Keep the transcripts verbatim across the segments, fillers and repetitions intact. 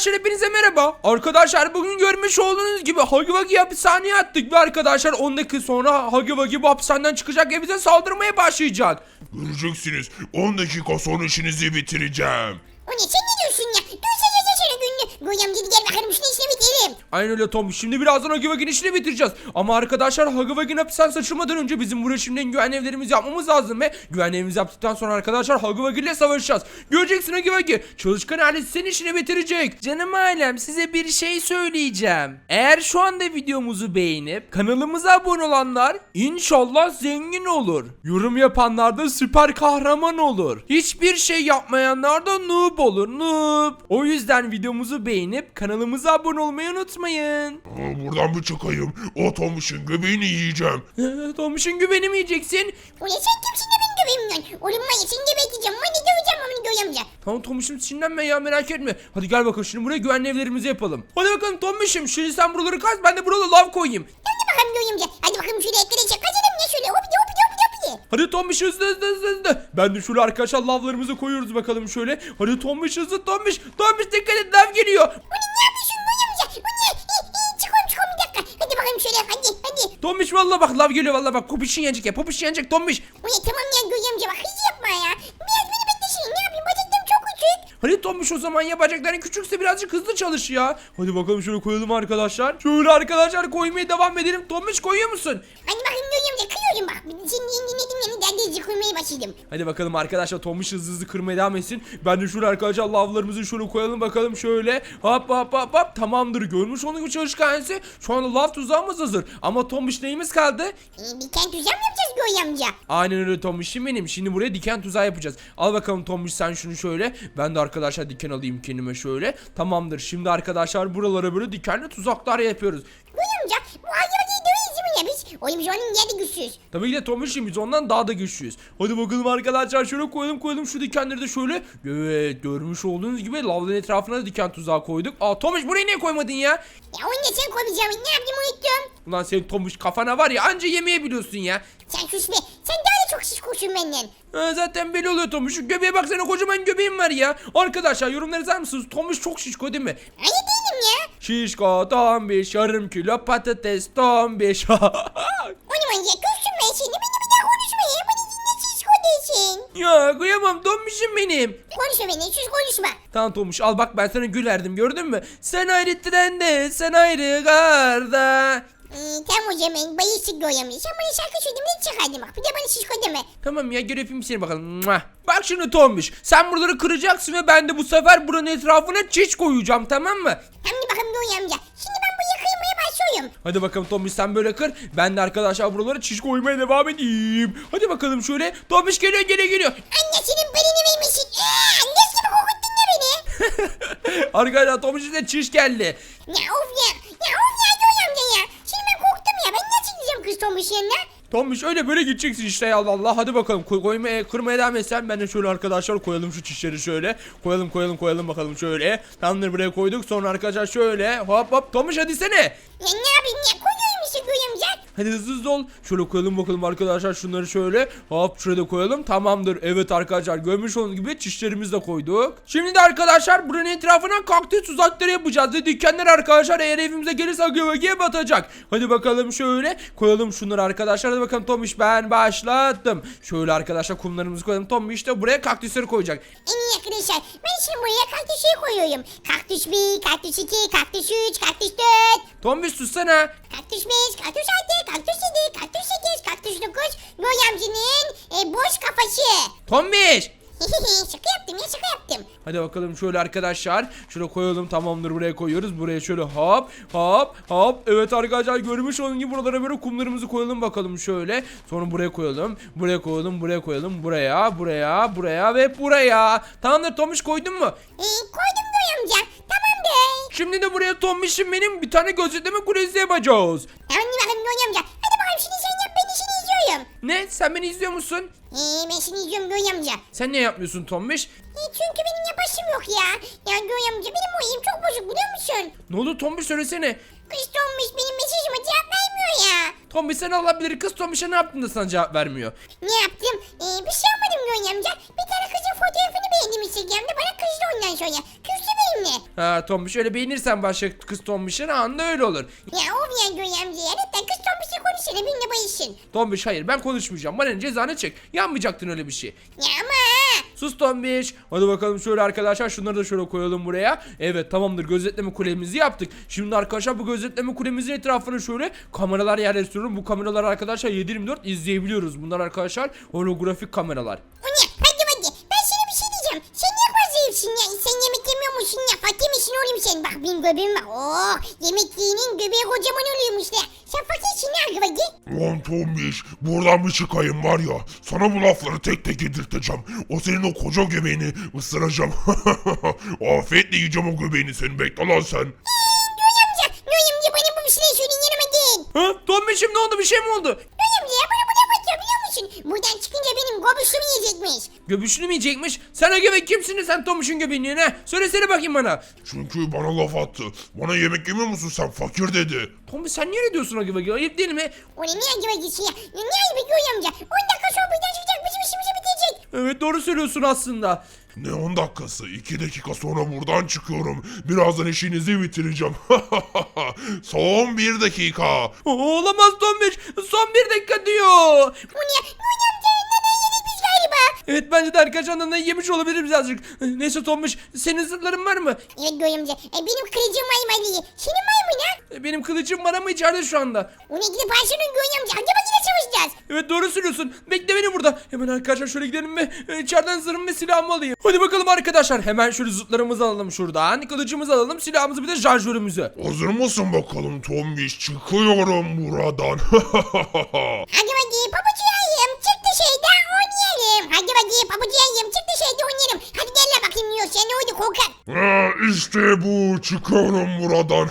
arkadaşlar hepinize merhaba. Arkadaşlar bugün görmüş olduğunuz gibi Huggy Wuggy'yi hapishaneye attık ve arkadaşlar on dakika sonra Huggy Wuggy bu hapishaneden çıkacak ve bize saldırmaya başlayacak. Göreceksiniz. on dakika sonra işinizi bitireceğim. O ne, sen ne diyorsun ya? Dur sen sen sen günlü. Goyam gidi gel bakalım şunu işine bitirelim. Aynen öyle Tom. Şimdi birazdan Huggy Wuggy'nin işini bitireceğiz. Ama arkadaşlar Huggy Wuggy'nin hapishaneden açılmadan önce bizim buraya şimdiden güvenli evlerimizi yapmamız lazım ve güvenli evimizi yaptıktan sonra arkadaşlar Huggy Wuggy ile savaşacağız. Göreceksin Huggy Wuggy. Çalışkan ailesi senin işini bitirecek. Canım ailem, size bir şey söyleyeceğim. Eğer şu anda videomuzu beğenip kanalımıza abone olanlar inşallah zengin olur. Yorum yapanlar da süper kahraman olur. Hiçbir şey yapmayanlar da noob olur. Noob. O yüzden videomuzu beğenip kanalımıza abone olmayı unutmayın. Aa, buradan bir çıkayım. O Tomuş'un göbeğini yiyeceğim. Tomuş'un güveni mi yiyeceksin? O ne, sen kimsin de beni dövemiyorsun? Oğlum var ya seni geberteceğim. Ben de döveceğim onu Goyamca. Tamam Tomuş'um, sinirlenme ya, merak etme. Hadi gel bakalım şimdi buraya güvenli evlerimizi yapalım. Hadi bakalım Tomuş'um, şimdi sen buraları kaz, ben de burada lav koyayım. Hadi bakalım Goyamca. Hadi bakalım şöyle etlere çek. Kaçalım ya şöyle. Hop hop hop hop. Hadi Tomuş hızlı hızlı hızlı hızlı. Ben de şöyle arkadaşlar lavlarımızı koyuyoruz bakalım şöyle. Hadi Tomuş hızlı Tomuş. Tomuş dikkat et, lav geliyor. O ne, ne yapıyorsun Goyamca? O ne? Çıkalım çıkalım bir dakika. Hadi bakalım şöyle hadi hadi. Tomuş vallahi bak lav geliyor, vallahi bak, popişin yanacak ya, popişin yanacak Tomuş. O ne, tamam ya Goyamca bak hiç yapma ya. Biraz beni beklesin. Ne yapayım, bacaklarım çok küçük. Hadi Tomuş, o zaman ya bacakların küçükse birazcık hızlı çalış ya. Hadi bakalım şöyle koyalım arkadaşlar. Şöyle arkadaşlar koymaya devam edelim. Tomuş koyuyor musun? Hadi bakayım Goyamca, kıyıyorum bak. Senin dinledim yani derdeci koymaya başladım. Hadi bakalım arkadaşlar, Tomuş hızlı hızlı kırmaya devam etsin. Ben de şöyle arkadaşlar lavlarımızı şöyle koyalım bakalım şöyle. Hop hop hop hop, tamamdır. Görmüş onun gibi çalışkansı. Şu anda lav tuzağımız hazır. Ama Tomuş neyimiz kaldı? Ee, bir kent tuzak mı yapacağız Goyamca? Aynen öyle Tomuş'um benim. Şimdi buraya diken tuzağı yapacağız. Al bakalım Tomuş sen şunu şöyle. Ben de arkadaşlar diken alayım kendime şöyle. Tamamdır. Şimdi arkadaşlar buralara böyle dikenli tuzaklar yapıyoruz. Goyamca bu hayvanı dövüyoruz mu ya biz? Oğlum biz onun yerde güçsüz. Tabii ki de Tomuş'um, biz ondan daha da güçlüyüz. Hadi bakalım arkadaşlar, şöyle koyalım koyalım şu dikenleri de şöyle. Evet, görmüş olduğunuz gibi lavların etrafına da diken tuzağı koyduk. Aa Tomuş, burayı niye koymadın ya? Ya onu da sen koymayacağım. Ne yapayım, unuttum. Ulan senin Tomuş kafana var ya, anca yemeği biliyorsun ya. Sen sus be. Sen daha da çok şişkoşsun benden. Ha, zaten belli oluyor Tomuş. Şu göbeğe baksana, kocaman göbeğim var ya. Arkadaşlar yorumları yazar mısınız? Tomuş çok şişko değil mi? Hayır değilim ya. Şişko tombiş, yarım kilo patates tombiş. O ne manyak, küstüm ben seni. Beni bir daha konuşma ya. Beni dinle, şişko değilsin. Ya kıyamam Tombiş'im benim. Konuşma beni, sus konuşma. Tamam Tomuş, al bak, ben sana gül verdim, gördün mü? Sen ayrı trende, sen ayrı garda. Ee, tamam o zaman bayılsın Goyamca. Sen bana şarkı söyledin mi çıkardın bak. Bir de bana şişko deme. Tamam ya, gel öpeyim seni bakalım. Mua. Bak şimdi Tombiş, sen buraları kıracaksın ve ben de bu sefer buranın etrafına çiç koyacağım, tamam mı? Hadi bakalım Goyamca. Şimdi ben bu yakayımaya başlıyorum. Hadi bakalım Tombiş, sen böyle kır. Ben de arkadaşlar buralara çiş koymaya devam edeyim. Hadi bakalım şöyle. Tombiş geliyor geliyor geliyor. Annesinin belini vermişsin. Eee annes gibi kokuttun da beni. Arkadaşlar Tombiş'in de çiş geldi. Ya of ya. Ya of ya Goyamca ya. Şimdi ben korktum ya. Ben nasıl gideceğim kız Tomuş yanına? Tombiş öyle böyle gideceksin işte ya, Allah Allah. Hadi bakalım koy, koymaya kırmaya devam etsen, ben de şöyle arkadaşlar koyalım şu çişleri şöyle. Koyalım koyalım koyalım bakalım şöyle. Tamamdır, buraya koyduk. Sonra arkadaşlar şöyle hop hop. Tombiş hadi sene. Ya ne yapayım ya? Koyuyorum işte Goyamca. Hadi hızlı hızlı ol. Şöyle koyalım bakalım arkadaşlar şunları şöyle. Hop şurada koyalım. Tamamdır. Evet arkadaşlar, görmüş olduğunuz gibi çişlerimizi de koyduk. Şimdi de arkadaşlar buranın etrafına kaktüs tuzakları yapacağız. Ve dükkanlar arkadaşlar eğer evimize gelirse göbeğe batacak. Hadi bakalım şöyle. Koyalım şunları arkadaşlar. Hadi bakalım Tomuş, ben başlattım. Şöyle arkadaşlar kumlarımızı koyalım. Tomuş de buraya kaktüsleri koyacak. En iyi arkadaşlar. Ben şimdi buraya kaktüsü koyuyorum. Kaktüs bir, kaktüs iki, kaktüs üç, kaktüs dört. Tomuş sussana. Kaktüs beş, kaktüs altı, kaktüs yedi, kaktüs sekiz, kaktüs dokuz. Goyamcının e, boş kafası. Tomuş. Şaka yaptım ya, şaka yaptım. Hadi bakalım şöyle arkadaşlar. Şöyle koyalım, tamamdır, buraya koyuyoruz. Buraya şöyle hop hop hop. Evet arkadaşlar, görmüş olduğunuz gibi buralara böyle kumlarımızı koyalım bakalım şöyle. Sonra buraya koyalım. Buraya koyalım, buraya koyalım. Buraya, buraya, buraya ve buraya. Tamamdır Tomuş, koydun mu? E, koydum Goyamca. Tamamdır. Şimdi de buraya Tomuş'um benim bir tane gözetleme kulesi yapacağız. Hadi bakalım Goyamca. Hadi bakalım şimdi sen yap, ben işini izliyorum. Ne? Sen beni izliyor musun? Eee ben seni izliyorum Goyamca. Sen ne yapmıyorsun Tomuş? E, çünkü benim yapasım yok ya. Ya Goyamca benim oyum çok bozuk biliyor musun? Ne oldu Tomuş, söylesene. Kız Tomuş benim mesajıma cevap vermiyor ya. Tomuş, sen Allah bilir, kız Tomuş'a ne yaptın da sana cevap vermiyor? Ne yaptım? Ee, bir şey yapmadım Goyamca. Bir tane kızın fotoğrafını beğendim Instagram'da. Bana kızdı ondan sonra. Küstü benimle. Ha Tombiş öyle beğenirsen başka kız Tombiş'in anında öyle olur. Ya of ya Göğe amca ya. Lütfen kız Tombiş'le konuşsana benimle bayışın. Tombiş hayır ben konuşmayacağım. Bana ne, cezanı çek. Yanmayacaktın öyle bir şey. Ya ama. Sus Tombiş. Hadi bakalım şöyle arkadaşlar şunları da şöyle koyalım buraya. Evet tamamdır, gözetleme kulemizi yaptık. Şimdi arkadaşlar bu gözetleme kulemizin etrafına şöyle kameralar yerleştiriyorum. Bu kameralar arkadaşlar yedi yirmi dört izleyebiliyoruz. Bunlar arkadaşlar holografik kameralar. O ne? Hadi hadi. Ben sana bir şey diyeceğim. Sen niye fazla yiyorsun ya? Sen yemek yemiyor musun ya? Fakir misin oğlum sen? Bak benim göbeğim var. Oh, yemek yiyenin göbeği kocaman oluyormuş da. Sen fakirsin ya Gıvagi. Lan Tombiş buradan bir çıkayım var ya. Sana bu lafları tek tek yedirteceğim. O senin o koca göbeğini ısıracağım. Afiyetle yiyeceğim o göbeğini senin, bekle lan sen. Göğe amca. Göğe amca bana bu bir şeyler söyleyin yanıma gel. Ha Tombiş'im ne oldu, bir şey mi oldu? Göğe amca ya bana bu laf atıyor biliyor musun? Buradan çıkınca benim göbüşümü yiyecekmiş. Göbüşünü mü yiyecekmiş? Sen o göbek kimsin sen Tombiş'in göbeğini ne? Söylesene bakayım bana. Çünkü bana laf attı. Bana yemek yemiyor musun sen, fakir dedi. Tombiş sen niye öyle diyorsun o göbeği? Ayıp değil mi? O ne niye Gıvagi'si ya? Ya niye ayıp Göğe amca? on dakika sonra buradan çıkacak bizim işimizi bitecek. Evet doğru söylüyorsun aslında. Ne on dakikası? iki dakika sonra buradan çıkıyorum. Birazdan işinizi bitireceğim. Son bir dakika. Oo, olamaz Tombiş. Son bir dakika diyor. O ne? Göğe amca neden yedik biz galiba? Evet bence de arkadaşlar da yemiş olabilir birazcık. Neyse Tombiş senin zırhların var mı? Evet Göğe amca. E, benim kılıcım var mı Ali? Senin var mı ne? E, Benim kılıcım var ama içeride şu anda. O ne gidip Ayşe'nin Göğe amca. Hadi bak yine savaşacağız. Evet doğru söylüyorsun. Bekle beni burada. Hemen arkadaşlar şöyle gidelim ve e, içeriden zırhımı ve silahımı alayım. Hadi bakalım arkadaşlar. Hemen şöyle zıtlarımızı alalım şuradan. Kılıcımızı alalım. Silahımızı bir de şarjörümüzü. Hazır mısın bakalım Tombiş? Çıkıyorum buradan. Hadi bakayım pabucuyayım. Çık dışarıda oynayalım. Hadi bakayım pabucuyayım. Çık dışarıda oynayalım. Hadi gel lan bakayım yiyor. Sen ne oldu korkak? Ha, işte bu. Çıkıyorum buradan.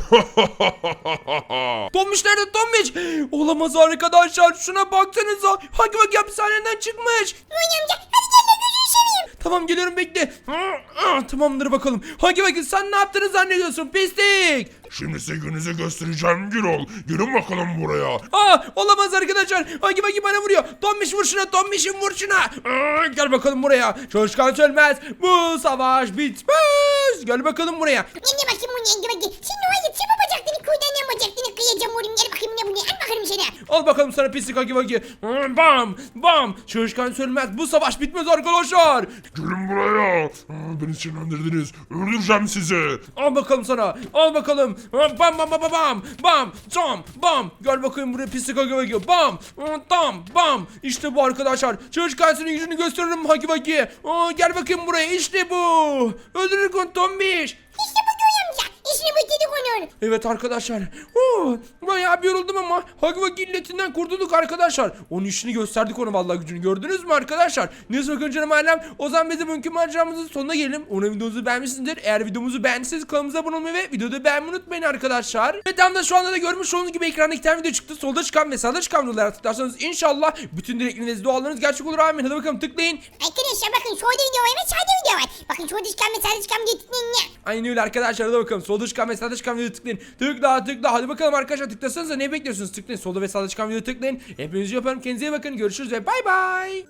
Tombiş nerede Tombiş? Olamaz arkadaşlar. Şuna baksanıza. Hagi Vagi hapishaneden çıkmış. Göğe amca hadi gel lan gözünü seveyim. Tamam geliyorum bekle. Ah, tamamdır bakalım. Hagi Vagi sen ne yaptığını zannediyorsun pislik. Şimdi size gününüzü göstereceğim Gürol. Gelin bakalım buraya. Aa olamaz arkadaşlar. Hagi Vagi bana vuruyor. Tombiş vur şuna, Tombiş'im vur şuna. Aa, gel bakalım buraya. Çalışkan sönmez. Bu savaş bitmez. Gel bakalım buraya. Ne ne bakayım bu ne Gıvagi. Şimdi o ayıp. Sen babacaktını kuyudan ne bacaktını kıyacağım oğlum. Gel bakayım ne bu ne. Al bakalım sana. Al bakalım sana pislik Hagi Vagi. Aa, Bam bam. Çalışkan sönmez. Bu savaş bitmez arkadaşlar. Gelin buraya. Aa, beni sinirlendirdiniz. Öldüreceğim sizi. Al bakalım sana. Al bakalım. Bam bam bam bam bam. Bam. Tam. Bam. Gel bakayım buraya pislik Hagi Vagi. Bam. Tam. Bam. İşte bu arkadaşlar. Çalışkan senin gücünü gösteririm Hagi Vagi. Aa, gel bakayım buraya. İşte bu. Öldürür kon Tombiş. İşte bu Göğe amca. İşini bitirdik onun. Evet arkadaşlar. Oo, bayağı bir yoruldum ama Hagi Vagi illetinden kurtulduk arkadaşlar. Onun işini gösterdik ona vallahi gücünü. Gördünüz mü arkadaşlar? Neyse bakın canım ailem. O zaman bizim bugünkü maceramızın sonuna gelelim. Umarım videomuzu beğenmişsinizdir. Eğer videomuzu beğendiyseniz kanalımıza abone olmayı ve videoda beğenmeyi unutmayın arkadaşlar. Ve tam da şu anda da görmüş olduğunuz gibi ekranda iki tane video çıktı. Solda çıkan ve sağda çıkan videolara tıklarsanız inşallah bütün dilekleriniz, dualarınız gerçek olur. Amin. Hadi bakalım tıklayın. Arkadaşlar bakın şurada video var ve sağda video var. Bakın şurada çıkan ve sağda çıkan video tıklayın ya. Aynen öyle arkadaşlar. Hadi bakalım. Solda çıkan ve sağda çıkan videoya tıklayın. Tıkla tıkla. Hadi bakalım arkadaşlar tıklasanıza ne bekliyorsunuz? Tıklayın. Solda ve sağda çıkan videoya tıklayın. Hepinizi yaparım. Kendinize iyi bakın. Görüşürüz ve bay bay.